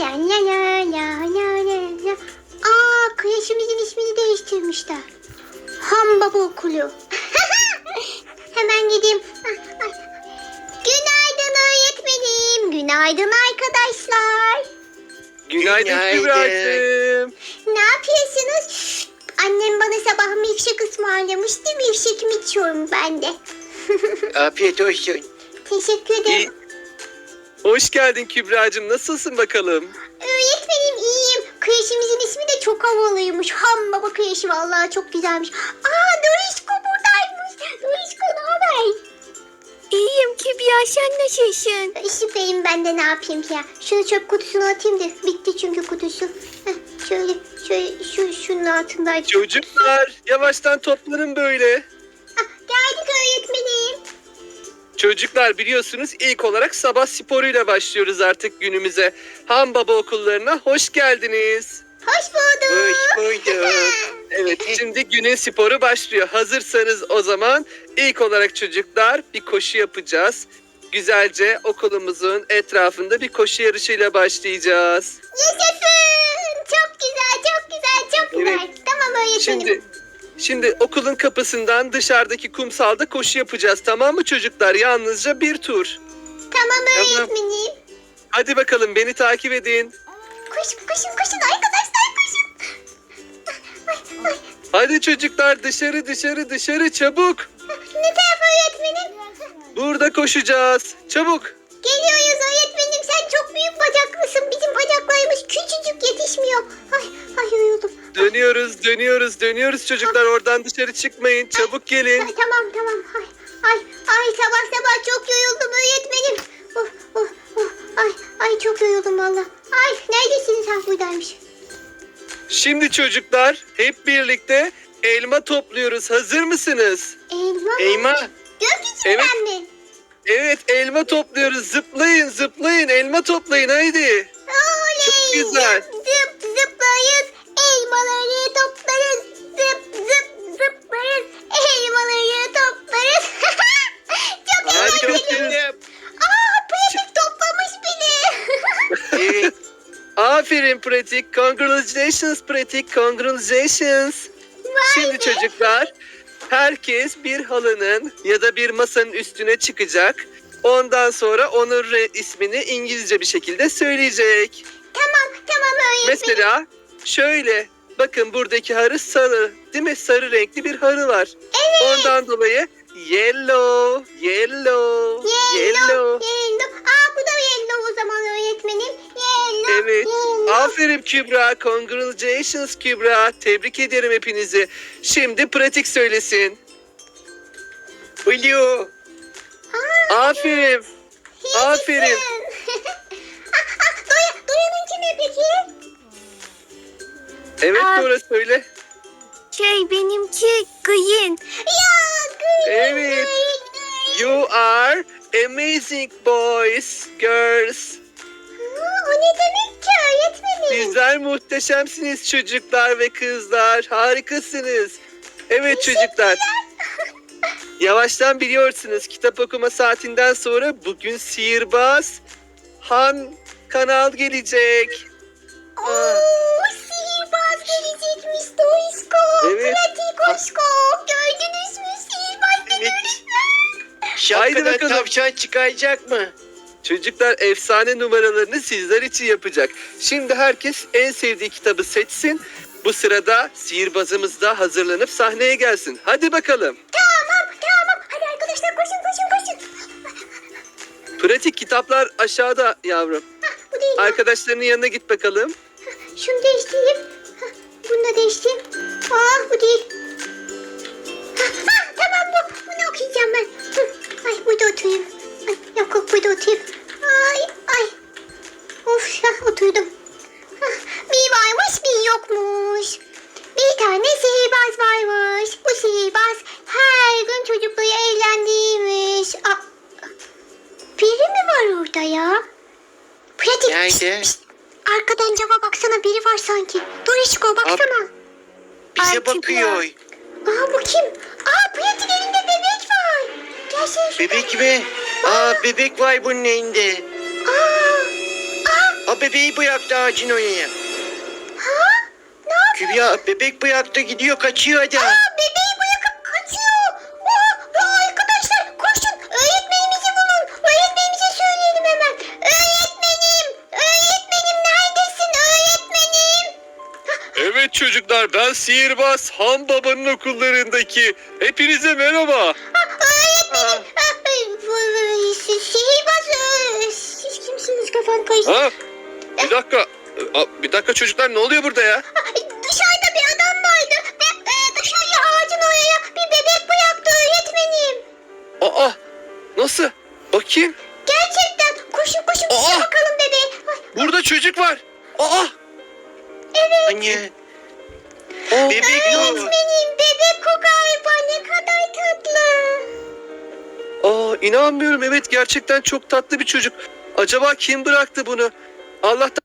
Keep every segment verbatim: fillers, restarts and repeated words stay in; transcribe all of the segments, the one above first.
La la la la la la la. Aa, kreşimizin ismini değiştirmişler. Ham Baba Okulu. Hemen gideyim. Ah, ay. Günaydın öğretmenim. Günaydın arkadaşlar. Günaydın Günaydın. Kübra'cığım. Ne yapıyorsunuz? Annem bana sabah milkshake ısmarlamıştı. Milkshake'imi içiyorum ben de. Afiyet olsun. Teşekkür ederim. İyi. Hoş geldin Kübra'cığım. Nasılsın bakalım? Öğretmenim iyiyim. Kreşimizin ismi de çok havalıymış. Ham Baba Kreşi vallahi çok güzelmiş. Aa, Dorişko buradaymış. Dorişko ne haber? İyiyim Kübra, sen nasılsın? Süperim, ben de ne yapayım ki ya. Şunu çöp kutusuna atayım da bitti çünkü kutusu. Heh, şöyle şöyle şu şunun altındaydı. Çocuklar yavaştan toplanın böyle. Ah, geldik öğretmenim. Çocuklar biliyorsunuz ilk olarak sabah sporuyla başlıyoruz artık günümüze. Han Baba okullarına hoş geldiniz. Hoş bulduk. Hoş bulduk. Evet şimdi günün sporu başlıyor. Hazırsanız o zaman ilk olarak çocuklar bir koşu yapacağız. Güzelce okulumuzun etrafında bir koşu yarışıyla başlayacağız. Yaşasın. Çok güzel, çok güzel, çok güzel. Evet. Tamam öğretmenim. Şimdi şimdi okulun kapısından dışarıdaki kumsalda koşu yapacağız, tamam mı çocuklar? Yalnızca bir tur. Tamam Tamam. öğretmenim. Hadi bakalım beni takip edin. Koşun, koşun, koşun arkadaşlar, koşun. Ay, ay, ay. Hadi çocuklar dışarı dışarı dışarı çabuk. Ne taraf öğretmenim? Burada koşacağız. Çabuk. Geliyoruz öğretmenim, sen çok büyük bacaklısın. Bizim bacaklarımız küçücük yetişmiyor. Ay, ay yoruldum. Dönüyoruz dönüyoruz dönüyoruz çocuklar, oradan dışarı çıkmayın. Çabuk gelin. Ay, tamam tamam. Ay, ay, ay sabah sabah çok yoruldum öğretmenim. Oh, oh, oh. Ay, ay çok yoruldum valla. Ay neredesiniz? Ha buradaymış. Şimdi çocuklar hep birlikte elma topluyoruz. Hazır mısınız? Elma mı? Eyma. Gökyüzünden Evet. mi? Evet elma topluyoruz. Zıplayın zıplayın elma toplayın haydi. Oley! Çok güzel. Zıp zıp zıplayız. Elmaları toplarız. Zıp zıp zıplarız. Elmaları toplarız. Çok eğlenceli. Harikasınız. Aa, pratik toplamış beni. Evet. Aferin pratik. Congratulations pratik. Congratulations. Vay Şimdi be. çocuklar herkes bir halının ya da bir masanın üstüne çıkacak. Ondan sonra onun re- ismini İngilizce bir şekilde söyleyecek. Tamam tamam öğretmenim. Mesela şöyle, bakın buradaki harı sarı, değil mi? Sarı renkli bir harı var. Evet. Ondan dolayı yellow, yellow, Yellow, yellow. yellow. Aa, bu da yellow o zaman öğretmenim. Yellow, Evet. yellow. Aferin Kübra. Congratulations Kübra. Tebrik ederim hepinizi. Şimdi pratik söylesin. Blue. Aa, Aferin. yaşasın. Aferin. ah, ah, Doya, Doya'nınki ne peki? Evet Aa. Dora söyle. Şey, benimki green. Ya green, Evet. green, green. You are amazing boys, girls. Aa, o ne demek ki öğretmenim? Sizler muhteşemsiniz çocuklar ve kızlar. Harikasınız. Evet çocuklar. Yavaştan biliyorsunuz kitap okuma saatinden sonra bugün sihirbaz Han Kanal gelecek. Oo, sihirbaz gelecekmiş Doysko. Evet. Pratik hoşko. Gördünüz mü sihirbaz Evet. öğretmen? Şapkadan bakalım. tavşan çıkacak mı? Çocuklar efsane numaralarını sizler için yapacak. Şimdi herkes en sevdiği kitabı seçsin. Bu sırada sihirbazımız da hazırlanıp sahneye gelsin. Hadi bakalım. Tamam tamam. Hadi arkadaşlar koşun koşun koşun. Pratik kitaplar aşağıda yavrum. Hah, bu değil. Arkadaşlarının yanına git bakalım. Şunu değiştireyim. Hah, bunu da değiştireyim. Ah, bu değil. Hah, hah, tamam bu. Bunu okuyacağım ben. Hı, ay burada oturayım. Ay, yok yok burada oturayım. Ay ay. Of ya oturdum. Hah, bir varmış bir yokmuş. Bir tane sihirbaz varmış. Bu sihirbaz her gün çocukları eğlendirmiş. Aa, biri mi var orada ya? Pratik. Nerede? Pişt, pişt. Arkadan cama baksana, biri var sanki. Dorişko baksana. Bize Ay, bakıyor. Aa, bu kim? Aa, Pratik elinde bebek var. Gelsene şuraya. Bebek mi? Aa, bebek var bunun elinde. Aa, aa, Ha bebeği bıraktı ağacın oraya. Ha? Ne yapıyor? Kübra bebek bıraktı gidiyor kaçıyor hadi. Aa, bebeği bırakıp kaçıyor. Aa, aa, arkadaşlar koşun. Öğretmenimizi bulun. Öğretmenimize söyleyelim hemen. Öğretmenim. Öğretmenim neredesin öğretmenim? Evet çocuklar, ben sihirbaz Han Baba'nın okullarındaki. Hepinize merhaba. Ha, öğretmenim. Ha, ay, bu- bu- si- Sihirbaz. e, Siz kimsiniz kafam karıştı. Ha? Bir dakika. Aa, Bir dakika çocuklar, ne oluyor burada ya? Ha, dışarıda bir adam vardı. Ve e, dışarıya ağacın oraya bir bebek bıraktı öğretmenim. Aa, nasıl? Bakayım. Gerçekten. Koşun koşun bize Aa! bakalım bebeğe. Ay, Burada çocuk var. Aa, evet. Anne. Bebek o. Öğretmenim bebek o galiba ne kadar tatlı. aa, inanmıyorum. Evet, gerçekten çok tatlı bir çocuk. Acaba kim bıraktı bunu? Allah'tan.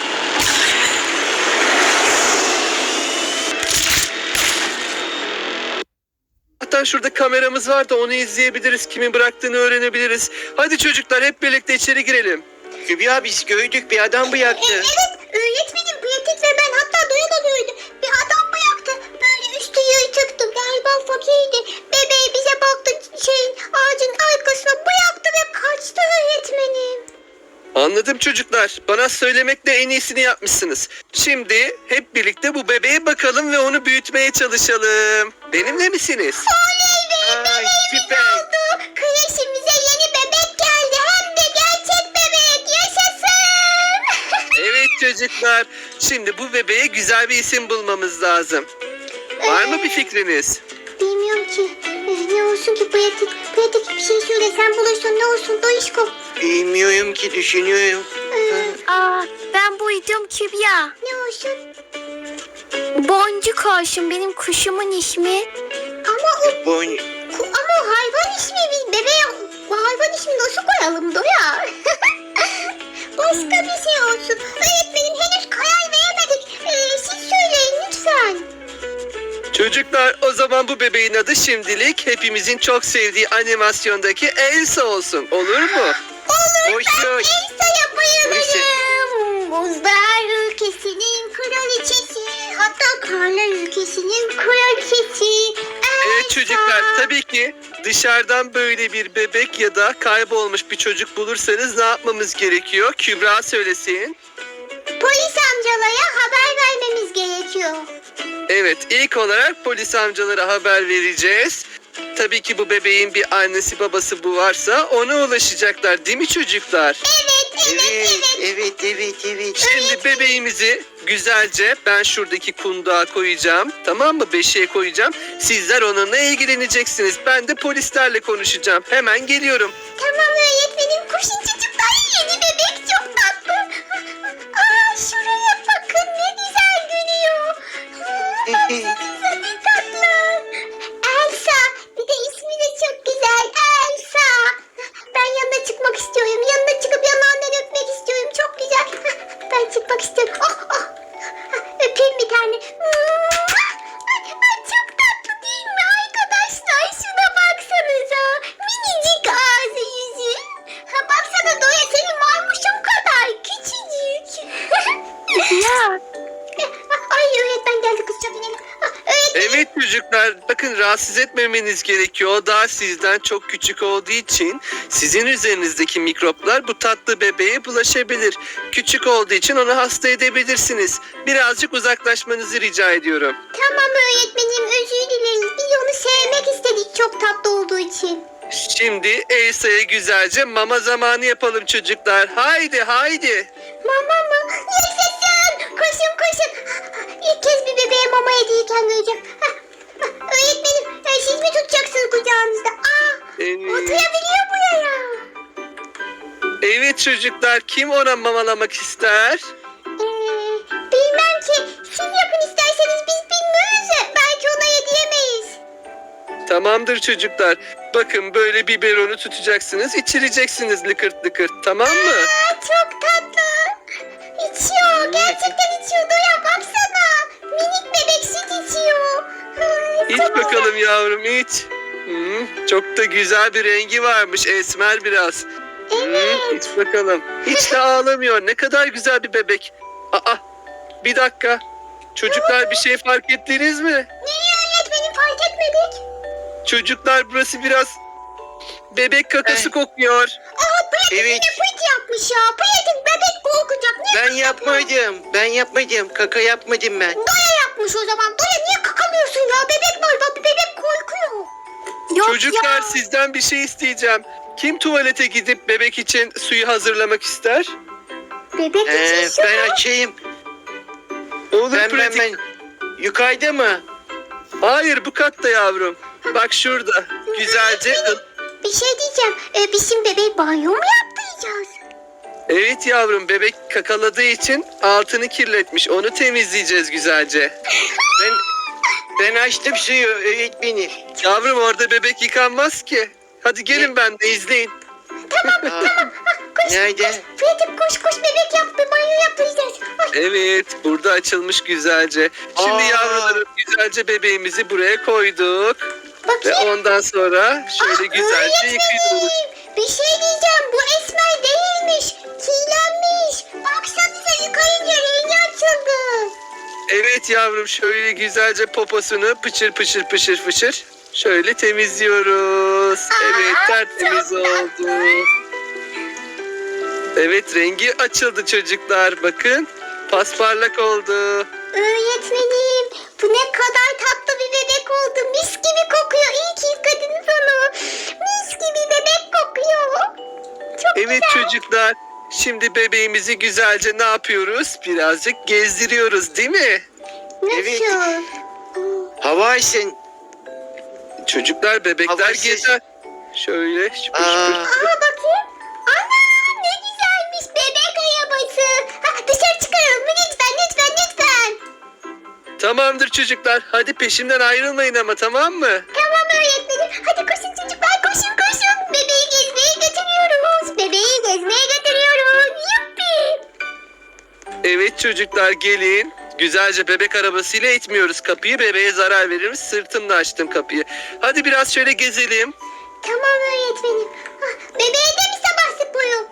Hatta şurada kameramız var da onu izleyebiliriz. Kimin bıraktığını öğrenebiliriz. Hadi çocuklar, hep birlikte içeri girelim. Kübra biz gördük bir adam E, bıraktı. evet öğretmenim pratik ve ben hatta duya da duydum. Bir adam bıraktı böyle üstü yırtıktı galiba fakirdi. Bebeği bize baktı şeyin ağacın arkasına bıraktı ve kaçtı öğretmenim. Anladım çocuklar. Bana söylemekle en iyisini yapmışsınız. Şimdi hep birlikte bu bebeğe bakalım ve onu büyütmeye çalışalım. Benimle misiniz? Oley be Ay, bebeğimiz süper. oldu. Kreşimize yeni bebek geldi hem de gerçek bebek yaşasın. Evet çocuklar. Şimdi bu bebeğe güzel bir isim bulmamız lazım. Var mı bir fikriniz? Bilmiyorum ki. Eh, Ne olsun ki pratik? Pratik bir şey söyle sen bulursun ne olsun Doişko. Bilmiyorum ki düşünüyorum. Ee, Aa, ben buydum Kübra. ne olsun? Boncuk olsun benim kuşumun ismi. Ama o Bon. ku- ama o hayvan ismi biz bebeğe bu hayvan ismi nasıl koyalım Doya? Başka bir şey olsun. Öğretmenim henüz karar veremedik. Ee, siz söyleyin lütfen. Çocuklar, o zaman bu bebeğin adı şimdilik hepimizin çok sevdiği animasyondaki Elsa olsun. Olur mu? Olur Hoş ben hoş. Elsa'ya bayılırım. Buzlar ülkesinin kraliçesi. Hatta karlar ülkesinin kraliçesi. Evet Elsa. çocuklar, tabii ki dışarıdan böyle bir bebek ya da kaybolmuş bir çocuk bulursanız ne yapmamız gerekiyor? Kübra söylesin. Polis amcalara haber vermemiz gerekiyor. Evet, ilk olarak polis amcalara haber vereceğiz. Tabii ki bu bebeğin bir annesi babası bu varsa ona ulaşacaklar, değil mi çocuklar? Evet, evet, Evet evet. evet evet evet. Şimdi bebeğimizi güzelce ben şuradaki kundağa koyacağım. Tamam mı? Beşiğe koyacağım. Sizler onunla ilgileneceksiniz. Ben de polislerle konuşacağım. Hemen geliyorum. Tamam öğretmenim. Koşun çocuklar. Yeni bebek çok tatlı. Aa, şuraya bakın ne güzel gülüyor. Baksanıza ne tatlı. Elsa. Bir de ismi de çok güzel. Elsa. Ben yanına çıkmak istiyorum. Yanına çıkıp yanağından öpmek istiyorum. Çok güzel. Ben çıkmak istiyorum. Oh, oh. Öpeyim bir tane. Ay, çok tatlı değil mi arkadaşlar? Şuna baksanıza. Minicik ağzı yüzü. Ha, baksana Doya senin maymuşun kadar küçücük. Ya. Ay öğretmen geldi kızcağız inelim. Ha, öğretmen. Evet çocuklar, bakın rahatsız etmemeniz gerekiyor. O daha sizden çok küçük olduğu için sizin üzerinizdeki mikroplar bu tatlı bebeğe bulaşabilir. Küçük olduğu için onu hasta edebilirsiniz. Birazcık uzaklaşmanızı rica ediyorum. Tamam öğretmenim özür dileriz. Biz onu sevmek istedik çok tatlı olduğu için. Şimdi Elsa'ya güzelce mama zamanı yapalım çocuklar. Haydi haydi. Mama mı? Yaşasın. Koşun koşun. İlk kez bir bebeğe mama hediyeyken göreceğim. Ha, ha, öğretmenim e, siz mi tutacaksınız kucağınızda? Aa, Evet. oturabiliyor buraya. Evet çocuklar, kim ona mamalamak ister? Ee, bilmem ki. Siz yapın isterseniz biz bilmiyoruz ya. Belki ona yediyemeyiz. Tamamdır çocuklar. Bakın böyle biberonu tutacaksınız, içireceksiniz lıkırt lıkırt, tamam mı? Aa, çok tatlı. İçiyor. Gerçekten içiyor. Doya baksana. Minik bebek süt içiyor. Ay, İç çok bakalım yavrum, iç. Hmm, çok da güzel bir rengi varmış, esmer biraz. Evet. Hı, iç bakalım. Hiç de ağlamıyor. Ne kadar güzel bir bebek. Aa, bir dakika. Çocuklar bir şey fark ettiniz mi? Neyi öğretmenim fark etmedik? Çocuklar burası biraz bebek kakası Eh. kokuyor. Aa pratik Evet. yine pıt yapmış ya. Pratik bebek korkacak. Niye Ben yapmadım. Ben yapmadım. Kaka yapmadım ben. Doya yapmış o zaman? Doya niye kakamıyorsun ya? Bebek var. Bak bebek korkuyor. Yok Çocuklar ya. sizden bir şey isteyeceğim. Kim tuvalete gidip bebek için suyu hazırlamak ister? Bebek Ee, için su ben mu? açayım. Olur Ben ben pratik. ben. Yukarıda mı? Hayır, bu katta yavrum. Bak şurada. Güzelce. Bir şey diyeceğim. Ee, biz şimdi bebeği banyo mu yaptıracağız? Evet yavrum, bebek kakaladığı için altını kirletmiş. Onu temizleyeceğiz güzelce. Ben ben açtım suyu öğretmenim. Yavrum, orada bebek yıkanmaz ki. Hadi gelin ben de izleyin. Aa, Koş Nerede? koş. Pratik koş koş bebek yaptı. Banyo yaptıracağız. Ay, Evet, burada açılmış güzelce. Şimdi Aa. yavrularım, güzelce bebeğimizi buraya koyduk. Ve bakayım. ondan sonra şöyle Ah, güzelce yıkıyoruz. öğretmenim, bir şey diyeceğim. Bu esmer değilmiş. Kirlenmiş. Baksanıza yıkayınca rengi açıldı. Evet yavrum, şöyle güzelce poposunu pıçır pıçır pışır pışır şöyle temizliyoruz. Evet, Aa, tertemiz çok oldu. tatlı. Evet, rengi açıldı çocuklar. Bakın, pasparlak oldu. Öğretmenim bu ne kadar tatlı bir bebek oldu. Mis gibi kokuyor. İyi ki yıkadınız onu. Mis gibi bebek kokuyor. Çok Evet güzel. çocuklar, şimdi bebeğimizi güzelce ne yapıyoruz? Birazcık gezdiriyoruz, değil mi? Evet. Nasıl? Hava alsın. Çocuklar, bebekler Havasız. gezer. Şöyle şıpır şıpır. Aa, Aa bakayım. Ana ne güzelmiş bebek arabası. Ha, dışarı çıkaralım mı? Lütfen lütfen lütfen. Tamamdır çocuklar, hadi peşimden ayrılmayın ama, tamam mı? Tamam öğretmenim. Hadi koşun çocuklar koşun koşun. Bebeği gezmeye götürüyoruz. Bebeği gezmeye götürüyoruz. Yuppi. Evet çocuklar, gelin. Güzelce bebek arabasıyla itmiyoruz kapıyı. Bebeğe zarar veririz. Sırtımla açtım kapıyı. Hadi biraz şöyle gezelim. Tamam öğretmenim. Ah, bebeğe de mi sabah sporu?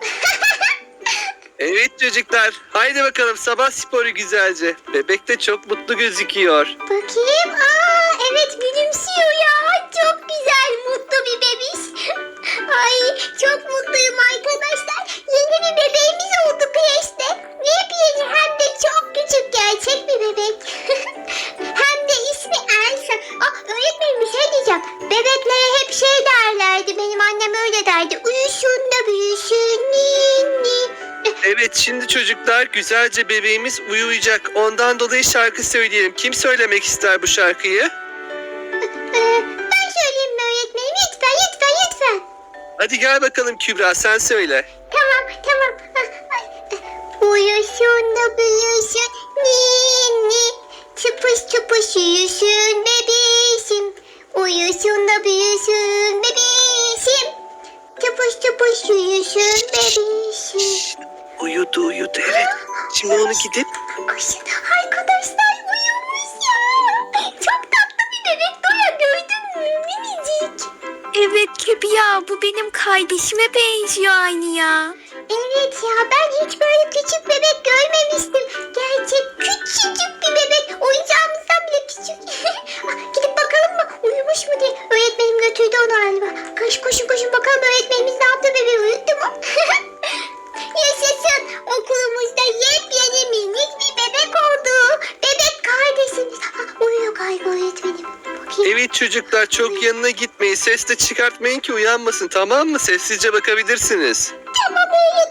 Evet çocuklar, haydi bakalım sabah sporu güzelce. Bebek de çok mutlu gözüküyor. Bakayım. Aa evet gülümsüyor ya. Çok güzel mutlu bir bebiş. Ay çok mutluyum arkadaşlar. Yeni bir bebeğimiz oldu kreşte. Yepyeni hem de çok küçük gerçek bir bebek. Hem de ismi Elsa. Aa öğretmenim bir şey diyeceğim. Bebeklere hep şey derlerdi. Benim annem öyle derdi. Uyusun da büyüsün ninni. Evet, şimdi çocuklar güzelce bebeğimiz uyuyacak. Ondan dolayı şarkı söyleyelim. Kim söylemek ister bu şarkıyı? Ee, ben söyleyeyim mi öğretmenim? Lütfen lütfen lütfen. Hadi gel bakalım Kübra, sen söyle. Tamam tamam. Ah, ay. Uyusun da büyüsün ninni. Çıpış çıpış uyusun bebişim. Uyusun da büyüsün bebişim. Çıpış çıpış uyusun bebişim. Uyudu uyudu, evet. Şimdi onu gidip Koşun arkadaşlar uyumuş ya. Çok tatlı bir bebek Doya gördün mü? Minicik. Evet Kübra, bu benim kardeşime benziyor aynı ya. Evet ya ben hiç böyle küçük bebek görmemiştim. Gerçek küçücük bir bebek. Oyuncağımızdan bile küçük. Ah, gidip bakalım mı uyumuş mu diye. Öğretmenim götürdü onu galiba. Koş koşun koşun bakalım öğretmenimiz ne yaptı bebeği uyuttu mu? Yaşasın okulumuzda yepyeni minik bir bebek oldu. Bebek kardeşimiz. Ah, uyuyor galiba öğretmenim. Bakayım. evet çocuklar, çok yanına gitmeyin. Ses de çıkartmayın ki uyanmasın, tamam mı? Sessizce bakabilirsiniz. Tamam öğretmenim.